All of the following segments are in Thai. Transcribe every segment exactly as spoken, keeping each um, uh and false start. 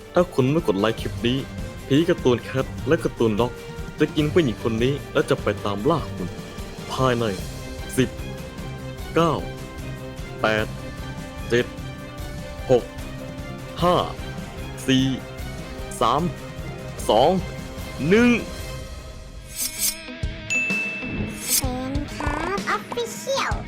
ถ้าคุณไม่กดไลค์คลิปนี้ผีการ์ตูนแคทและการ์ตูนด็อกจะกินผู้หญิงคนนี้และจะไปตามล่าคุณภายในสิบ เก้า แปด เจ็ด หก ห้า สี่ สาม สอง หนึ่งเซนครับออฟฟิเชียล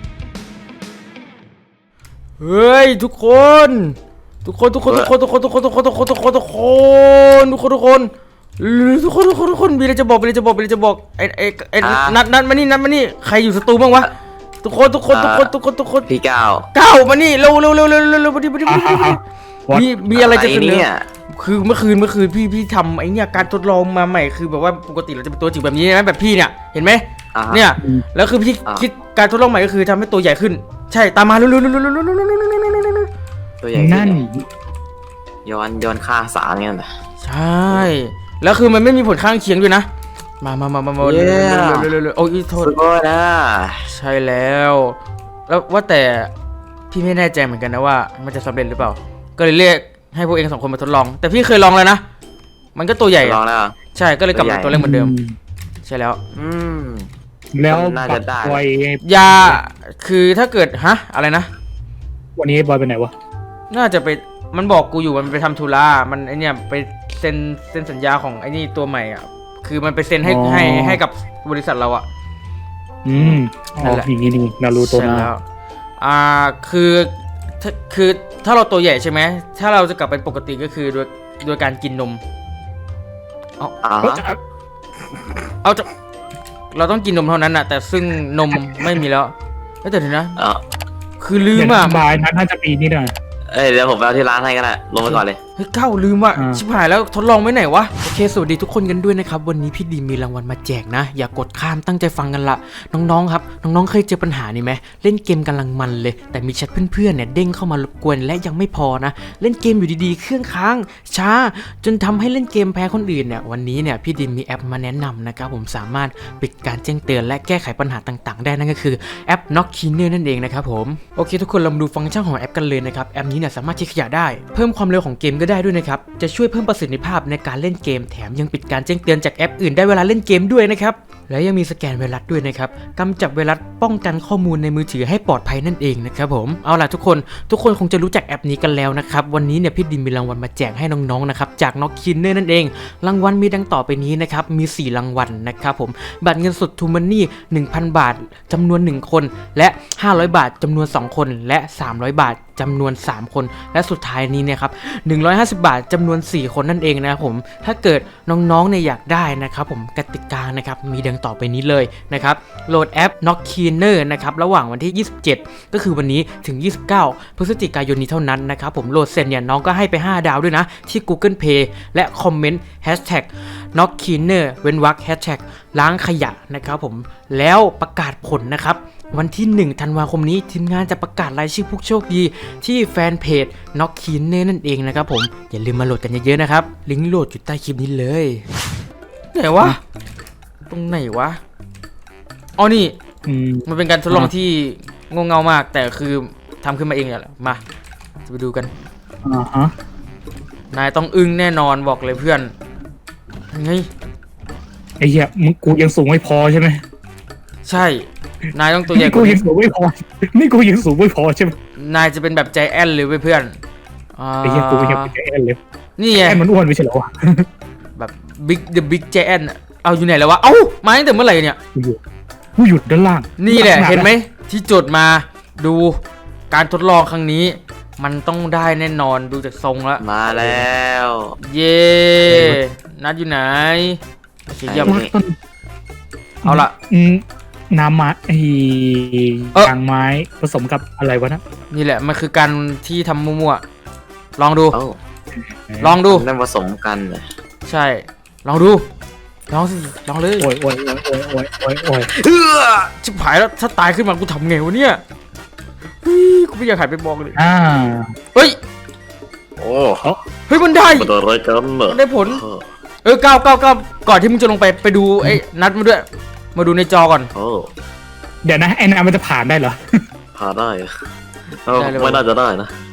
เฮ้ยทุกคนทุกคนทุกคนทุกคนทุกคนทุกคนทุกคนทุกคนทุกคนทุกคนทุกคนทุกคนทุกคนทุกคนทุกคนมีอะไรจะบอกมีอะไรจะบอกมีอะไรจะบอกไอ้ไอ้ไอ้นัดนัดมานี่นัดมานี่ใครอยู่สตูบ้างวะทุกคนทุกคนทุกคนทุกคนทุกคนพี่ก้าวก้าวมานี่เร็วเร็วเร็วเร็วเร็วเร็วมาดิมาดิมาดิมีมีอะไรจะเสนอคือเมื่อคืนเมื่อคืนพี่พี่ทำไอ้เนี่ยการทดลองมาใหม่คือแบบว่าปกติเราจะเป็นตัวจิ๋วแบบนี้นะแบบพี่เนี่ยเห็นไหมเนี่ยแล้วคือพี่คิดการทดลองใหม่ก็คือทำให้ตัวใหญ่ขึ้นใช่ตามมาเร็วเร็วเร็วเร็วเร็วเร็วเร็วเร็วเร็วเร็วเร็วเร็วตัวใหญ่นั่นย้อนย้อนค่าสารเนี่ยนะใช่แล้วคือมันไม่มีผลข้างเคียงด้วยนะมามามามามาเร็วเร็วเร็วเร็วโอ้ยโทษสุดยอดนะใช่แล้วแล้วว่าแต่พี่ไม่แน่ใจเหมือนกันนะว่ามันจะสำเร็จหรือเปล่าก็เลยเรียกให้พวกเองสองคนมาทดลองแต่พี่เคยลองแล้วนะมันก็ตัวใหญ่ลองแล้วใช่ก็เลยกลับมาตัวเล็กเหมือนเดิมใช่แล้วอืมแล้วน่าจะได้บอยยาคือถ้าเกิดฮะอะไรนะวันนี้บอยไปไหนวะน่าจะไปมันบอกกูอยู่มันไปทำธุระมันไอเนี่ยไปเซ็นเซ็นสัญญาของไอ้นี่ตัวใหม่อ่ะคือมันไปเซ็นให้ให้ให้กับบริษัทเราอ่ะอืมอ๋ออย่างนี้นี่นารูโตะนะอ่าคือคือถ้าเราตัวใหญ่ใช่ไหมถ้าเราจะกลับเป็นปกติก็คือโดยโดยการกินนมเอาเอาจะเราต้องกินนมเท่านั้นน่ะแต่ซึ่งนมไม่มีแล้วแต่เดี๋ยวนะคือลืมอ่ะบายนั้นน่าจะมีนี่นะเอ้ยเดี๋ยวผมไปเอาที่ร้านให้ก็ได้ลงไปก่อนเลยเฮ้ยเก้าลืมว่ะชิบหายแล้วทดลองไว้ไหนวะโอเคสวัสดีทุกคนกันด้วยนะครับวันนี้พี่ดีมีรางวัลมาแจกนะอย่ากดข้ามตั้งใจฟังกันละน้องๆครับน้องๆเคยเจอปัญหานี้ไหมเล่นเกมกำลังมันเลยแต่มีแชทเพื่อนๆเนี่ยเด้งเข้ามารบกวนและยังไม่พอนะเล่นเกมอยู่ดีๆเครื่องค้างช้าจนทำให้เล่นเกมแพ้คนอื่นเนี่ยวันนี้เนี่ยพี่ดีมีแอปมาแนะนำนะครับผมสามารถปิดการแจ้งเตือนและแก้ไขปัญหาต่างๆได้นั่นก็คือแอป Knock Cleaner นั่นเองนะครับผมโอเคทุกคนเรามาดูฟังก์ชันของแอปกันเลยนะครับแอปนี้เนี่ยสามารถเช็คขยะได้เพิ่มความเร็วของเกมก็ได้ด้วยนะครับจะช่วยเพิ่มประสิทธิภาพในการเล่นเกมแถมยังปิดการแจ้งเตือนจากแอปอื่นได้เวลาเล่นเกมด้วยนะครับและยังมีสแกนไวรัสด้วยนะครับกำจัดไวรัสป้องกันข้อมูลในมือถือให้ปลอดภัยนั่นเองนะครับผมเอาล่ะทุกคนทุกคนคงจะรู้จักแอปนี้กันแล้วนะครับวันนี้เนี่ยพี่ดิมมีรางวัลมาแจกให้น้องๆนะครับจาก Knock Cleaner นั่นเองรางวัลมีดังต่อไปนี้นะครับมีสี่รางวัลนะครับผมบัตรเงินสด True Money หนึ่งพัน บาทจำนวนหนึ่งคนและห้าร้อยบาทจำนวนสองคนและสามร้อยบาทจำนวนสามคนและสุดท้ายนี้เนี่ยครับหนึ่งร้อยห้าสิบบาทจำนวนสี่คนนั่นเองนะครับผมถ้าเกิดน้องๆเนี่ยอยากได้นะครับผมกติกานะครับมีดังต่อไปนี้เลยนะครับโหลดแอป Knock Cleaner นะครับระหว่างวันที่ยี่สิบเจ็ดก็คือวันนี้ถึงยี่สิบเก้าพฤศจิกายนนี้เท่านั้นนะครับผมโหลดเสร็จเนี่ยน้องก็ให้ไปห้าดาวด้วยนะที่ Google Play และคอมเมนต์ แฮชแท็ก น็อก คลีนเนอร์ เว้นวรรค แฮชแท็ก ล้างขยะนะครับผมแล้วประกาศผลนะครับวันที่หนึ่งธันวาคมนี้ทีมงานจะประกาศรายชื่อผู้โชคดีที่แฟนเพจ Knock Cleaner นั่นเองนะครับผมอย่าลืมมาโหลดกันเยอะๆนะครับลิงก์โหลดอยู่ใต้คลิปนี้เลยไหนวะตรงไหนวะอ๋อนี่มันเป็นการทดลองที่งงเงามากแต่คือทำขึ้นมาเองแหละมาจะไปดูกันอ่าฮะนายต้องอึ้งแน่นอนบอกเลยเพื่อนไงไอ้เหี้ยมึงกูยังสูงไม่พอใช่ไหมใช่นายต้องตัวใหญ่กูยังสูงไม่พอนี่กูยังสูงไม่พอใช่ไหมนายจะเป็นแบบใจแอนเลยเพื่อนไอ้เหี้ยกูยังเป็นใจแอนเลยนี่ไงมันอ้วนไม่ใช่เหรอวะแบบบิ๊กเดอะบิ๊กใจแอนเอาอยู่ไหนแล้ววะเอ้ามาตั้งแต่เมื่อไหร่เนี่ยกูหยุดด้านล่างนี่แหละเห็นไหมที่จดมาดูการทดลองครั้งนี้มันต้องได้แน่นอนดูจากทรงแล้วมาแล้วเย่นัดอยู่ไหนเยี่ยมเอาละน้ำไม้ไอ้กางไม้ผสมกับอะไรวะนะนี่แหละมันคือการที่ทำมั่วๆลองดูลองดูนั่นผสมกันเลยใช่ลองดูลองสิลองเลยโอ้ยโอ้ยโอ้ยโอ้ยโอ้ยโอ้ยโอ้ยเฮ้อชิบหายแล้วถ้าตายขึ้นมากูทำไงวะเนี่ยกูไม่อยากหายไปมองเลยอ่าเฮ้ยโอ้เฮ้ยมันได้มันอะไรกันเนอะได้ผลเออเก้าเก้าเก้าก่อนที่มึงจะลงไปไปดูไอ้นัดมาด้วยมาดูในจอก่อนโอ้เดี๋ยวนะไอ้นัดมันจะผ่านได้เหรอผ่านได้ไม่น่าจะได้นะ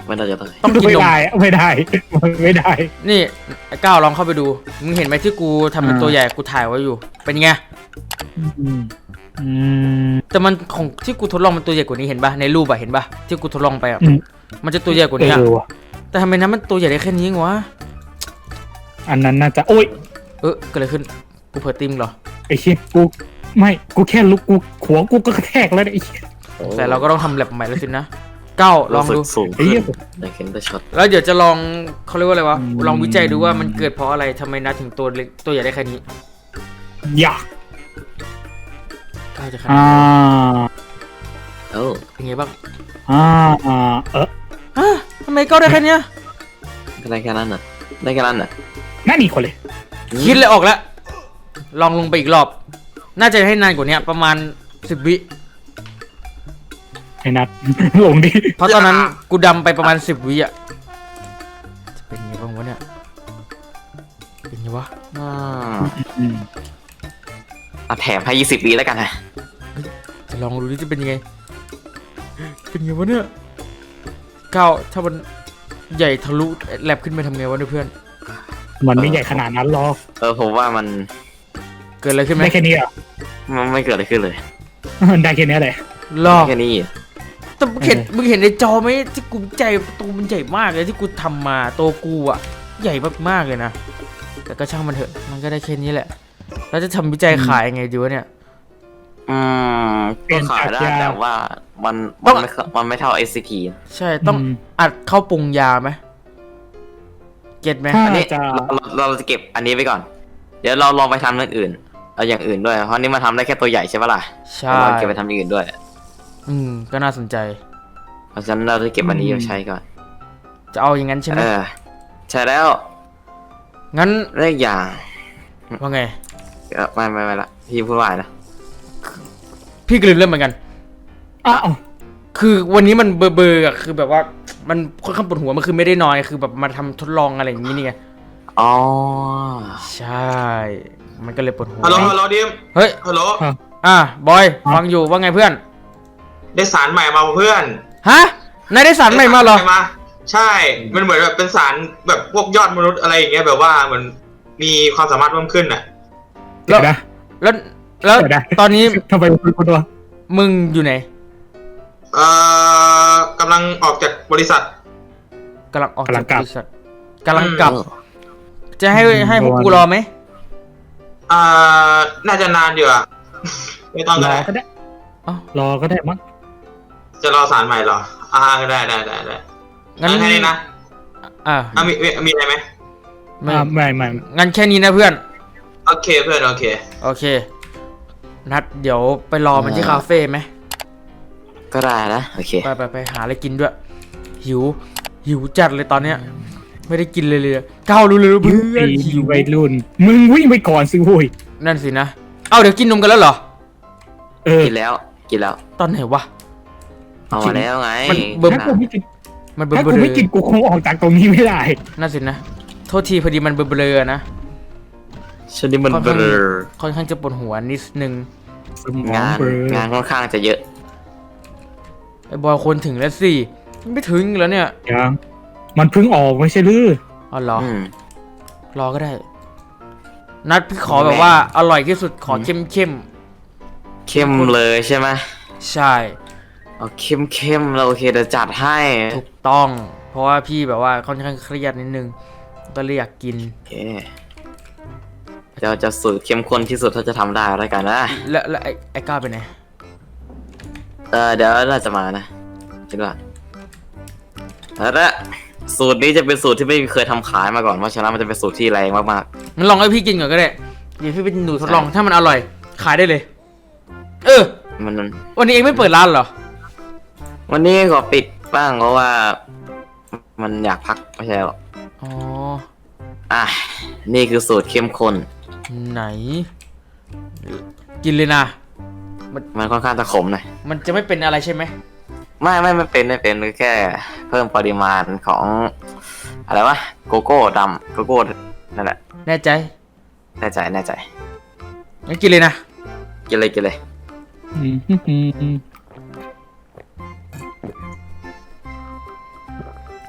ไม่น่าจะได้ต้องกินไม่นมได้ไม่ได้ไม่ได้นี่ไอ้ก้าวลองเข้าไปดูมึงเห็นไหมที่กูทำเป็นอ่าตัวใหญ่กูถ่ายไว้อยู่ เป็นไงอืมอืมแต่มันของที่กูทดลองมันตัวใหญ่กว่านี้เห็นปะในรูปอะเห็นปะที่กูทดลองไปอะอืมมันจะตัวใหญ่กว่าเอนี้อะอว่ะแต่ทำไมนั้นมันตัวใหญ่ได้แค่นี้เองวะอันนั้นน่าจะโอ้ยเออเกิดอะไรขึ้นกูเผลอติมเหรอไอ้เชี่ยกูไม่กูแค่ลุกกูหัวกูก็กระแทกแล้วเนี่ยไอ้เชี่ยแต่เราก็ต้องทำแลบใหม่แล้วสินะก้าวลองดูรู้สึกสูงไอ้ขึ้เหี้ยนอยากเห็นแต่ช็อตแล้วเดี๋ยวจะลองเขาเรียกว่าอะไรวะอืมลองวิจัยดูว่ามันเกิดเพราะอะไรทำไมนัดถึงตัวเล็กตัวใหญ่ได้แค่นี้อยากก้าวจะขนาดอ่าเออเป็นไงบ้างอ่าอ่าเออฮะทำไมก้าวได้แค่เนี้ยก็ได้แค่นั้นน่ะได้แค่นั้นน่ะนั่นอีกคนเลยคิดเลยออกแล้วลองลงไปอีกรอบ น่าจะให้นานกว่านี้ประมาณสิบวิไอ้นัด ลงดิเพราะตอนนั้นกูดำไปประมาณสิบวิอ่ะจะเป็นไงบ้างวะเนี่ยเป็นไงวะอ่าอืมอ่ะแถมให้ยี่สิบปีแล้วกันนะจะลองดูดิจะเป็นยังไงเป็นไงวะเนี่ยก้าวถ้ามันใหญ่ทะลุแลบขึ้นไปทำไงวะเนี่ยเพื่อนมันไม่ใหญ่ขนาดนั้นหรอกเออผมว่ามันเกิดอะไรขึ้นไหมได้แค่นี้เหรอ่ะมันไม่เกิดอะไรขึ้นเลยได้แค่นี้เลยรอแค่นี้อ่ะแต่มึงเห็นมึงเห็นในจอไหมที่กูใจตัวมันใหญ่มากเลยที่กูทำมาตัวกูอ่ะใหญ่มากๆเลยนะแต่ก็ช่างมันเถอะมันก็ได้แค่นี้แหละแล้วจะทำวิจัยขายยังไงดีวะเนี่ยอืมก็ขายได้แต่ว่ามันต้มัอน งไม่เข้ามันไม่เท่า เอส ซี พีใช่ต้องมอัดเข้าปรุงยาไหมเก็ตไหมถ้าอันนี้จะเราเราจะเก็บอันนี้ไปก่อน เดี๋ยวเราลองไปทำอย่างอื่นเอาอย่างอื่นด้วยเพราะนี่มันทำได้แค่ตัวใหญ่ใช่ปะล่ะใช่เราเก็บไปทำอย่างอื่นด้วยอืมก็น่าสนใจเพราะฉะนั้นเราจะเก็บอันนี้ไว้ใช้ก่อนจะเอาอย่างนั้นใช่ไหมเออใช่แล้วงั้นเรื่องอย่างว่าไงเออไม่ไม่ไม่ละพี่พูดว่าอะไรนะพี่ก็ลืมเรื่องเหมือนกันอ้าวคือวันนี้มันเบอร์เบอร์อะคือแบบว่ามันค่อนข้างปวดหัวมันคือไม่ได้นอนคือแบบมาทำทดลองอะไรอย่างนี้นี่ไงอ๋อใช่ มันก็เลยปวดหัวฮัลโหลฮัลโหลดิมเฮ้ยฮัลโหลอ่ะบอยฟังอยู่ว่าไงเพื่อนได้สารใหม่มาเพื่อนฮะนายได้สารใหม่มาเหรอได้สใใช่ มันเหมือนแบบเป็นสารแบบพวกยอดมนุษย์อะไรอย่างเงี้ยแบบว่าเหมือนมีความสามารถเพิ่มขึ้นอ่ะเดี๋ยวนะแล้วแล้วเดี๋ยวนะตอนนี้ทำไมคุณคนตัวมึงอยู่ไหนเอ่อกำลังออกจากบริษัทกำลังออกจากบริษัทกำลังกลับเออจะให้ให้พวกกูรอไหมอ่า น่าจะนานอยู่อ่ะ ไม่ต้องรก็อได้ก็ได้เอ้ารอก็ได้มั้งจะรอสารใหม่เหรอ อ่าได้ได้ได้ได้งั้นแค่นี้นะอ่ะอ่ะมีมีมีอะไรไหมไม่อ่าไม่ไม่งั้นแค่นี้นะเพื่อนโอเคเพื่อนโอเคโอเค นัดเดี๋ยวไปรอมันที่คาเฟ่ไหมก็ได้นะโอเคไปไปไปหาอะไรกินด้วย หิว หิวจัดเลยตอนเนี้ย ไม่ได้กินเลยเลยก้าวรู้เลยเพื่อนหิหิวววัยรุ่น มึงวิ่งไปก่อนสิโว้ยนั่นสินะ เอ้าเดี๋ยวกินนมกันแล้วเหรอเออกินแล้วกินแล้วตอนไหนวะเอามาแล้วไงมันเบิ่มถ้ากูไม่กินมันเบลถ้าอกูๆไม่กินกูคงออกจากตรงนี้ไม่ได้นั่นสินะ โทษทีพอดีมันเบลอๆนะชนิดมันค่อนเบข้างลอค่อนข้างจะปวดหัวนิดนึงสมองงานเบลองานค่อนข้างจะเยอะไอ้บอยคนถึงแล้วสิไม่ถึงแล้วเนี่ยยังมันเพิ่งออกไม่ใช่หรืออ๋อเหรออืมรอก็ได้ นัดพี่ขอแบบว่าอร่อยที่สุดขอเข้มเข้มเข้มเลยใช่ไหมๆใช่เอาเข้มเข้มๆเราโอเคเดี๋ยวจัดให้ถูกต้อง เพราะว่าพี่แบบว่าค่อนข้างเครียดนิดนึง ก็เลยอยากกินโอเคจะจะสูตรเข้มข้นที่สุดถ้าจะทำได้แล้วกันนะแล้วแล้วไอ้ไอ้ก้าวไปไหนเออเดี๋ยวน่าจะมานะคิดว่าแล้วละสูตรนี้จะเป็นสูตรที่ไม่เคยทำขายมาก่อนเพราะฉะนั้นมันจะเป็นสูตรที่แรงมากงั้นลองให้พี่กินก่อนก็ได้เดี๋ยวพี่เป็นหนูทดลองถ้ามันอร่อย ขายได้เลย เออๆมันวันนี้เองไม่เปิดร้านเหรอวันนี้ขอปิดบ้างเพราะว่า มันอยากพักไม่ใช่หรอกอ๋ออ่ะนี่คือสูตรเข้มข้นไหน กินเลยนะมันค่อนข้างจะขมหน่อยมันจะไม่เป็นอะไรใช่ไหมไม่ไม่ไม่เป็นไม่เป็นแค่เพิ่มปริมาณของอะไรวะโกโก้ดำโกโก้นั่นแหละแน่ใจแน่ใจแน่ใจงั้นกินเลยนะกินเลยกินเลยอืมอืมอืม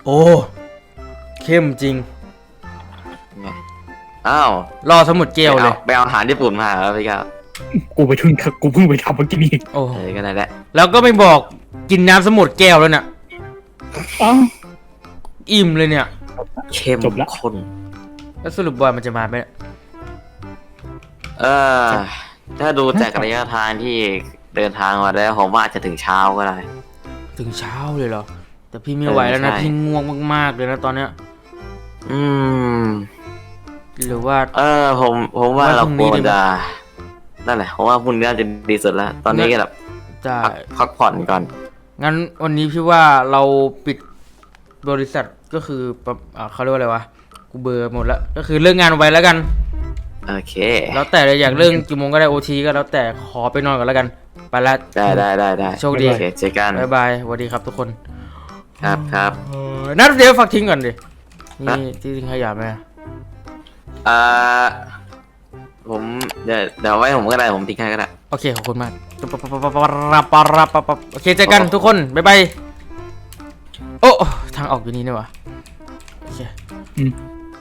โอ้เข้มจริงไงอ้าวรอสมุดเกลเลยไปเอาอาหารญี่ปุ่นมาแล้วพี่ก้าวกูไปทุ่งกูเพิ่งไปทำเมื่อกี้นี่โอ้เออก็ได้แหละแล้วก็ไม่บอกกินน้ำสมุดแก้วแล้วเนี่ยอ้าวอิ่มเลยเนี่ยเข้มจบละข้นแล้วสรุปบอยมันจะมาไหมเนี่ยเออถ้าดูจากระยะทางที่เดินทางมาแล้วผมว่าอาจจะถึงเช้าก็ได้ถึงเช้าเลยเหรอ แต่พี่ไม่ไหวแล้วนะเออใช่พี่ง่วงมากๆเลยนะตอนเนี้ยอืมหรือว่าเออผมผมว่าว่าเราพรุ่งควนี้รดีไหมจะนั่นแหละผมว่าพรุ่งนี้น่าจะดีสุดแล้ว ตอนนี้ก็แบบจะพักพักผ่อนก่อนงั้นวันนี้พี่ว่าเราปิดบริษัทก็คือปะอ่าเขาเรียกว่าอะไรวะ กูเบลอร์หมดแล้ว ก็คือเลิกงานไว้แล้วกันโอเคแล้วแต่เลยอยากเลิกกี่โมงก็ได้โอทีก็แล้วแต่ขอไปนอนก่อนแล้วกัน ไปละได้ได้ได้ได้โชคดีโอเคเจอกันบายบายสวัสดีครับทุกคนครับครับเออนัดเดี๋ยวฝากทิ้งก่อนดิฮะนี่ที่ทิ้งขยะไหมอ่าผมเดี๋ยวเดี๋ยวไว้ผมก็ได้ผมทิ้งให้ก็ได้โอเค ขอบคุณมากปะปะปะปะปะปะปะปะปะปะโอเคเจอกันทุกคน บ๊ายบาย โอ้ทางออกอยู่นี่นี่หวะโอเคอืม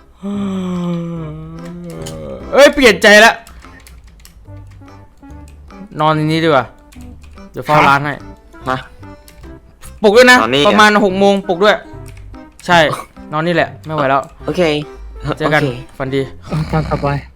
เอ้ย เปลี่ยนใจแล้ว นอนในนี้ดีกว่า เดี๋ยวเฝ้าร้านให้มาปลุกด้วยนะนอนนี่ประมาณหกโมงปลุกด้วย ใช่ นอนนี่แหละ ไม่ไหวแล้วโอเคเจอกันโคฝันดีตามสบาย